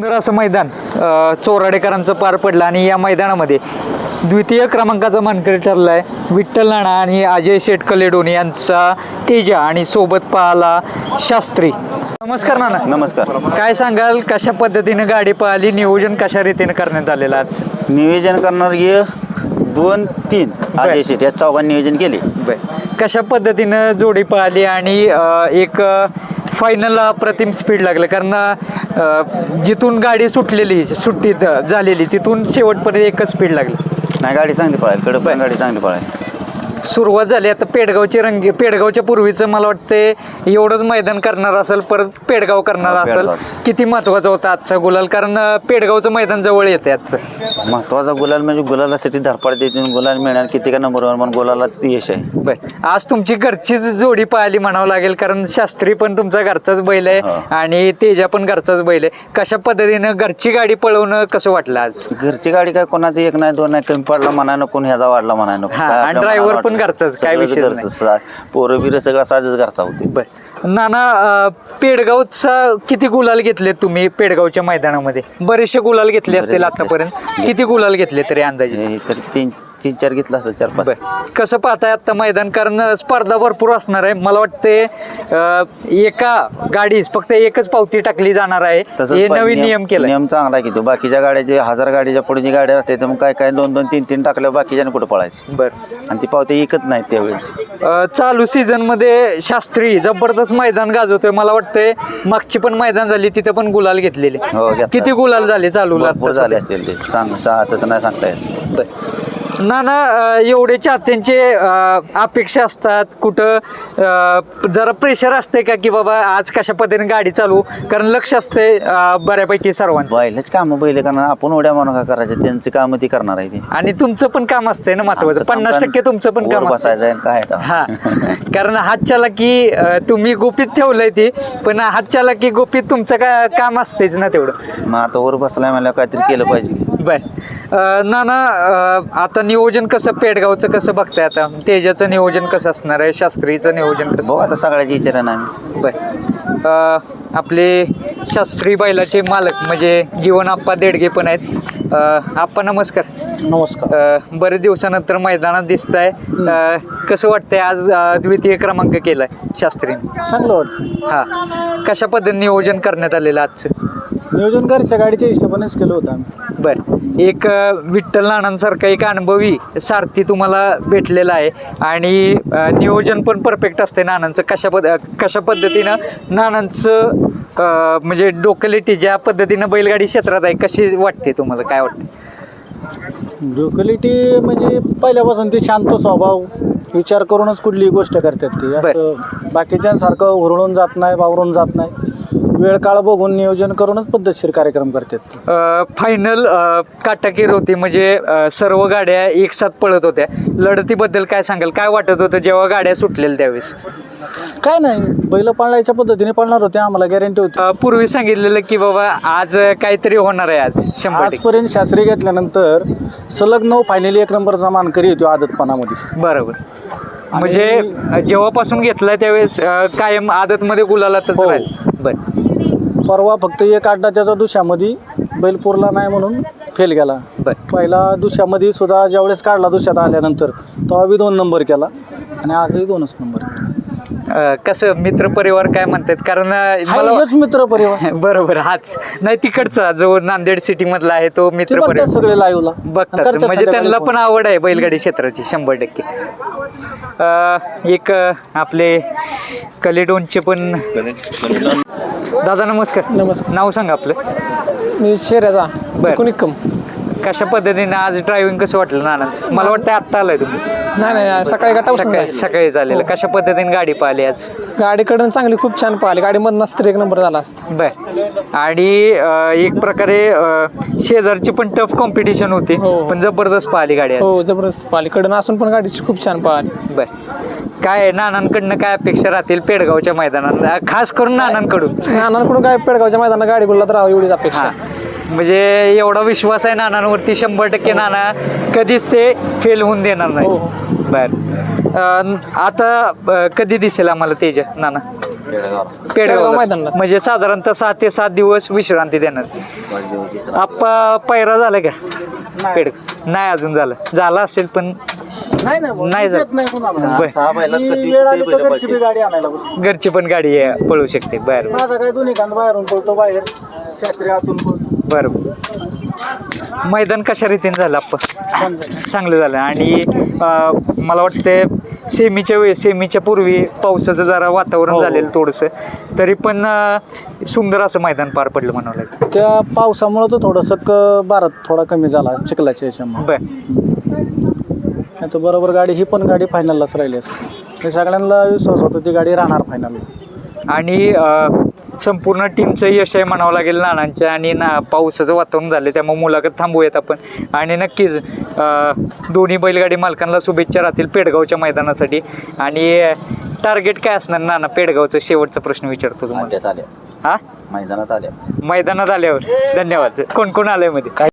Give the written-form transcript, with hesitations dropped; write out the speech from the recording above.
सुंदर असं मैदान चोराडेकरांचं पार पडलं आणि या मैदानामध्ये द्वितीय क्रमांकाचा मानकरी ठरलाय विठ्ठल नाना आणि अजय शेठ कलेडोन यांचा तेजा आणि सोबत पाहला शास्त्री. नमस्कार नाना. नमस्कार. काय सांगाल, कशा पद्धतीने गाडी पळाली, नियोजन कशा रीतीने करण्यात आलेलं आज? नियोजन करणार 2-3 अजय शेठ या चौघांनी नियोजन केले. कशा पद्धतीनं जोडी पळाली आणि एक फायनलला अप्रतिम स्पीड लागलं, कारण जिथून गाडी सुट्टीत झालेली तिथून शेवटपर्यंत एकच स्पीड लागली. नाही, गाडी चांगली पळाली, कडक पण गाडी चांगली पळाली. सुरुवात झाली आता पेडगावच्या पूर्वीचं मला वाटतं एवढंच मैदान करणार असेल, परत पेडगाव करणार असेल. किती महत्वाचा होता आजचा गुलाल, कारण पेडगावचं मैदान जवळ येते आजचं. महत्वाचा गुलाल म्हणजे गुलालासाठी धरपड देते, गुलाल मिळणार किती का नंबरवर म्हणून गुलाला यश आहे. बरं, आज तुमची घरचीच जोडी पाहिली म्हणावं लागेल, कारण शास्त्री पण तुमचा घरचाच बैल आहे आणि तेजा पण घरचाच बैल आहे. कशा पद्धतीनं घरची गाडी पळवणं कसं वाटलं आज? घरची गाडी काय कोणाचं एक नाही दोन नाही, कमी पडला म्हणाय नको, ह्याचा वाढला म्हणाय नको. आणि ड्रायव्हर पण घरचाच, काय विषय नाही. पोरं बिरं सगळं साजच घरचा होते. बरं नाना, पेडगावचा किती गुलाल घेतले तुम्ही? पेडगावच्या मैदानामध्ये बरेचसे गुलाल घेतले असतील आतापर्यंत. किती गुलाल घेतले तरी अंदाजे? तर 3-4 घेतला असेल, 4-5. कसं पाहताय आता मैदान, कारण स्पर्धा भरपूर असणार आहे. मला वाटते एका गाडीस फक्त एकच पावती टाकली जाणार आहे, हे नवीन नियम केला. नियम चांगला की तो. बाकीच्या गाड्याचे 1000 गाडीच्या पुढे जी गाडी राहते तर मग काय 2-2, 3-3 टाकल्यावर बाकीच्या कुठं पळायचं. बरं, आणि ती पावती एकच नाही त्यावेळी. चालू सीझन मध्ये शास्त्री जबरदस्त मैदान गाजवतोय. मला वाटतंय मागची पण मैदान झाली, तिथे पण गुलाल घेतलेले. किती गुलाल झाले चालूला? झाले असतील ते, तसं नाही सांगता येत. नाना, एवढे चाहत्यांचे अपेक्षा असतात, कुठं जरा प्रेशर असते का की बाबा आज कशा पद्धतीने गाडी चालू, कारण लक्ष असते बऱ्यापैकी सर्वांचं. बैलच काम बैल करणार, आपण उड्या मारून काय करायचं, त्यांची कामं ती करणार आहे. आणि तुमचं पण काम असतंय ना महत्वाचं. 50% तुमचं पण काम बसायचं काय. हा, कारण हातच्याला की तुम्ही गोपीत ठेवलंय ती, पण हातच्याला की गोपीत तुमचं काय काम असतेच ना तेवढं. मग आता वर बसलाय मला काहीतरी केलं पाहिजे. बर नाना, आता नियोजन कसं पेडगावचं कसं बघताय? आता तेजाचं नियोजन कसं असणार आहे, शास्त्रीचं नियोजन कसं? आता सगळ्याची विचार नाही. बर, आपले शास्त्री बैलाचे मालक म्हणजे जीवन आप्पा देडगे पण आहेत. आप्पा नमस्कार. नमस्कार. बरेच दिवसानंतर मैदानात दिसताय, कसं वाटतंय? आज द्वितीय क्रमांक केलाय शास्त्रीने. चांगलं वाटतं. हा, कशा पद्धतीने नियोजन करण्यात आलेलं आजचं? नियोजन घरच्या गाडीच्या हिशोबानेच केलं होतं आम्ही. बरं, एक विठ्ठल नानांसारखा एक अनुभवी सारथी तुम्हाला भेटलेला आहे आणि नियोजन पण परफेक्ट असते नानांचं. कशा पद्धतीनं नानांचं म्हणजे डोकलेटी ज्या पद्धतीनं बैलगाडी क्षेत्रात आहे, कशी वाटते तुम्हाला? काय वाटते? लोकॅलिटी म्हणजे पहिल्यापासून ते शांत स्वभाव, विचार करूनच कुठलीही गोष्ट करतात ती. असं बाकीच्यांसारखं हुरळून जात नाही, वावरून जात नाही. वेळ काळ बघून नियोजन करूनच पद्धतशीर कार्यक्रम करतात. फायनल काटाकीर होती, म्हणजे सर्व गाड्या एक साथ पळत होत्या. लढतीबद्दल काय सांगाल? काय वाटत होतं जेव्हा गाड्या सुटलेल्या त्यावेळेस? काय नाही, बैल पाळण्याच्या पद्धतीने पाळणार होते, आम्हाला गॅरंटी होती. पूर्वी सांगितलेलं की बाबा आज काहीतरी होणार आहे, आज 100%. आजपर्यंत शास्त्री घेतल्यानंतर सलग 9 फायनली 1 नंबरचा मानकरी होतो आदतपणामध्ये. बरोबर, म्हणजे जेव्हापासून घेतलाय त्यावेळेस कायम आदतमध्ये गुलालातच राहील. बरं, परवा फक्त एक अड्डा त्याचा दुसऱ्यामध्ये बैल पुरला नाही म्हणून फेल गेला. पहिला दुसऱ्यामध्ये सुद्धा ज्यावेळेस काढला दुसऱ्यात आल्यानंतर तेव्हा बी 2 नंबर केला आणि आजही 2च नंबर. कसं मित्रपरिवार काय म्हणतात? कारण मित्र परिवार बरोबर, हाच नाही तिकडचा जो नांदेड सिटी मधला आहे तो मित्रपरिवार सगळे लाईव्हला बघतात, म्हणजे त्यांना पण आवड आहे बैलगाडी क्षेत्राची 100%. एक आपले कलेडोनचे पण दादा नमस्कार. नमस्कार. नाव सांगा आपलं. मी शेऱ्याचा कुनिकम. कशा पद्धतीने आज ड्रायव्हिंग कसं वाटलं नानांचं? मला वाटतं आत्ता आलाय तुम्ही. नाही, सकाळी झालेलं. कशा पद्धतीने गाडी पाहिली आज? गाडीकडून चांगली, खूप छान पाहिली. गाडीमधून नसतं 1 नंबर झाला असतं. बर, आणि एक प्रकारे शेजारची पण टफ कॉम्पिटिशन होती, पण जबरदस्त पाहिली गाडी. हो, जबरदस्त पाहिली. कडून असून पण गाडीची खूप छान पाहिली. बर, काय नानांकडनं काय अपेक्षा राहतील पेडगावच्या मैदानात, खास करून नानांकडून? नानांकडून काय पेडगावच्या मैदानात गाडी बोलला तर एवढीच अपेक्षा. म्हणजे एवढा विश्वास आहे नानांवरती 100% नाना कधीच ते फेल होऊन देणार नाही. बर, आता कधी दिसेल आम्हाला तेजा नाना? पेडगाव मैदानाला. म्हणजे साधारणतः 6 ते 7 दिवस विश्रांती देणार. आप्पा पैरा झाला का पेड नाही अजून झाला असेल पण नाही देत नाही कुणाला. बर. सहा बैलात ही कधी वेळ आली तर कुठे घरची बी गाडी आणायला बसतो. घरची पण गाडी पळू शकते. बरं माझा काय दोन्ही कांद बाहेरून पळतो, बाहेर शास्त्री आतून पळतो. बरं. मैदान कशा रीतीने झालं आपण चांगलं झालं आणि मला वाटते सेमीच्या पूर्वी पावसाचं जरा वातावरण झालेलं थोडंसं तरी पण सुंदर असं मैदान पार पडलं म्हणावं लागेल. त्या पावसामुळं तर थोडंसं भारत थोडा कमी झाला चिखलाच्या याच्यामुळे. बर तर बरोबर गाडी ही पण गाडी फायनललाच राहिली असते. हे सगळ्यांना विश्वास होता ती गाडी राहणार फायनलला. आणि संपूर्ण टीमचं यश आहे म्हणावं लागेल नानांच्या आणि पावसाचं वातावरण झालं त्यामुळे मुलाखत थांबूयात आपण. आणि नक्कीच दोन्ही बैलगाडी मालकांना शुभेच्छा राहतील पेडगावच्या मैदानासाठी. आणि टार्गेट काय असणार नाना पेडगावचं शेवटचा प्रश्न विचारतो तुम्हाला. आल्या हा मैदानात आल्या मैदानात आल्यावर धन्यवाद. कोण कोण आलंय मध्ये